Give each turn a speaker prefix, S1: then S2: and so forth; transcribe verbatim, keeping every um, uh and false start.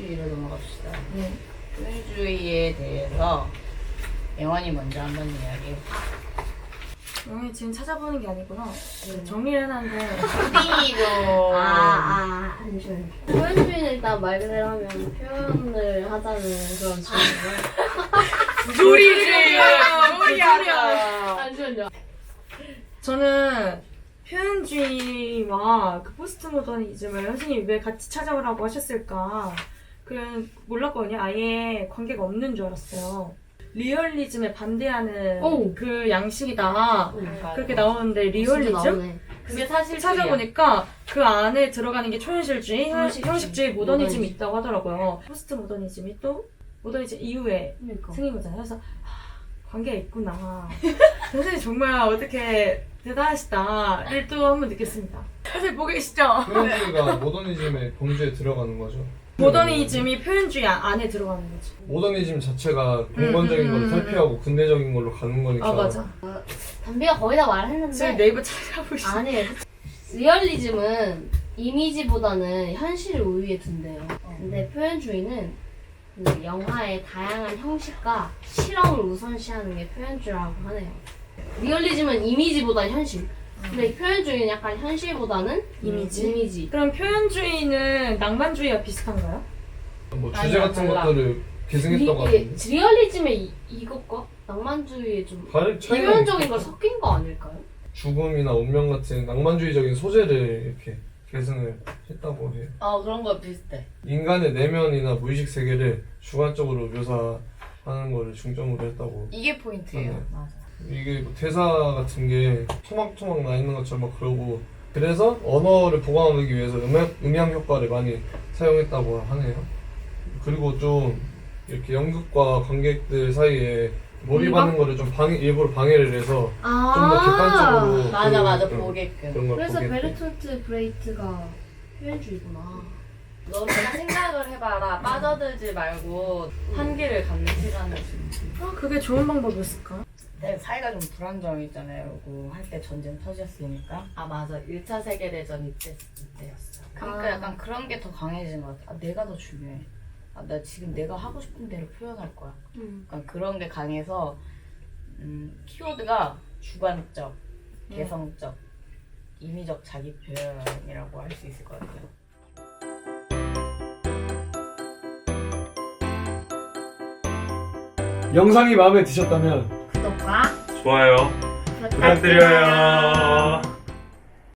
S1: 표현주의로 넘어갑시다.
S2: 네.
S1: 표현주의에 대해서 영원이 먼저 한번 이야기해.
S2: 영희 지금 찾아보는 게 아니구나. 네. 정리를 해놨는데.
S1: 푸딩이도.
S3: 아, 아, 잠시만요. 표현주의는 일단 말 그대로 하면 표현을 하자는 그런 주의고요.
S1: 조리주의야.
S2: 조리야.
S3: 잠시만요.
S2: 저는 표현주의와 그 포스트 모더니즘을 선생님이 왜 같이 찾아오라고 하셨을까 그런 몰랐거든요. 아예 관계가 없는 줄 알았어요. 리얼리즘에 반대하는
S3: 오.
S2: 그 양식이다 그렇게 나오는데 리얼리즘?
S1: 그게 사실
S2: 찾아보니까 그 안에 들어가는 게 초현실주의,
S1: 형식주의,
S2: 형식주의, 모더니즘이
S3: 모더니즘.
S2: 있다고 하더라고요. 포스트 모더니즘이 또 모더니즘 이후에
S3: 그러니까.
S2: 생긴 거잖아요. 그래서 하, 관계가 있구나. 선생님 정말 어떻게 대단하시다를 또 한 번 느꼈습니다. 선생님 보고 계시죠?
S4: 표현주의가 모더니즘의 범주에 들어가는 거죠.
S2: 모더니즘이 표현주의 안에 들어가는 거지.
S4: 모더니즘 자체가 공건적인
S2: 음, 음,
S4: 걸
S2: 음,
S4: 탈피하고 근대적인 걸로 가는 거니까.
S2: 아 맞아.
S3: 담비가 거의 다 말했는데.
S2: 지금 네이버 찾아보시죠.
S3: 아니에요. 리얼리즘은 이미지보다는 현실을 우위에 둔대요. 근데 표현주의는 그 영화의 다양한 형식과 실험을 우선시하는 게 표현주의라고 하네요. 리얼리즘은 이미지보다 현실. 근데 표현주의는 약간 현실보다는
S2: 이미지?
S3: 이미지.
S2: 그럼 표현주의는 낭만주의와 비슷한가요?
S4: 뭐
S1: 아니야,
S4: 주제 같은
S1: 달라.
S4: 것들을 계승했다고
S3: 리,
S4: 하던데.
S3: 리얼리즘의 이, 이것과 낭만주의의 좀
S4: 다른 차이가
S3: 비교현적인 걸
S4: 있을까?
S3: 섞인 거 아닐까요?
S4: 죽음이나 운명 같은 낭만주의적인 소재를 이렇게 계승을 했다고 해요.
S1: 어 그런 거 비슷해.
S4: 인간의 내면이나 무의식 세계를 주관적으로 묘사하는 거를 중점으로 했다고.
S1: 이게 포인트예요.
S4: 네.
S1: 맞아.
S4: 이게 뭐 대사 같은 게 토막토막 나 있는 것처럼 막 그러고, 그래서 언어를 보강하기 위해서 음향, 음향 효과를 많이 사용했다고 하네요. 그리고 좀 이렇게 연극과 관객들 사이에 몰입하는 거를 좀 방해, 일부러 방해를 해서
S3: 아,
S4: 좀 더 객관적으로
S1: 맞아
S4: 그-
S1: 맞아
S4: 그-
S1: 보게끔.
S4: 그런 걸
S3: 그래서
S4: 보게끔.
S3: 베르톨트 브레이트가 표현주의구나.
S1: 너 그냥 생각을 해봐라. 빠져들지 말고 한계를 갖는 시간을 좀.
S2: 아 그게 좋은 방법이었을까?
S1: 그때 사이가 좀 불안정했잖아요. 그리고 한때 전쟁 터졌으니까. 아 맞아. 일 차 세계대전 이때 이때였어. 그러니까
S2: 아.
S1: 약간 그런 게 더 강해진 것 같아. 아, 내가 더 중요해. 아, 나 지금 내가 하고 싶은 대로 표현할 거야.
S3: 음.
S1: 약간 그런 게 강해서 음, 키워드가 주관적, 개성적, 임의적 자기 표현이라고 할 수 있을 것 같아요.
S5: 영상이 마음에 드셨다면
S3: 구독과
S6: 좋아요 부탁드려요.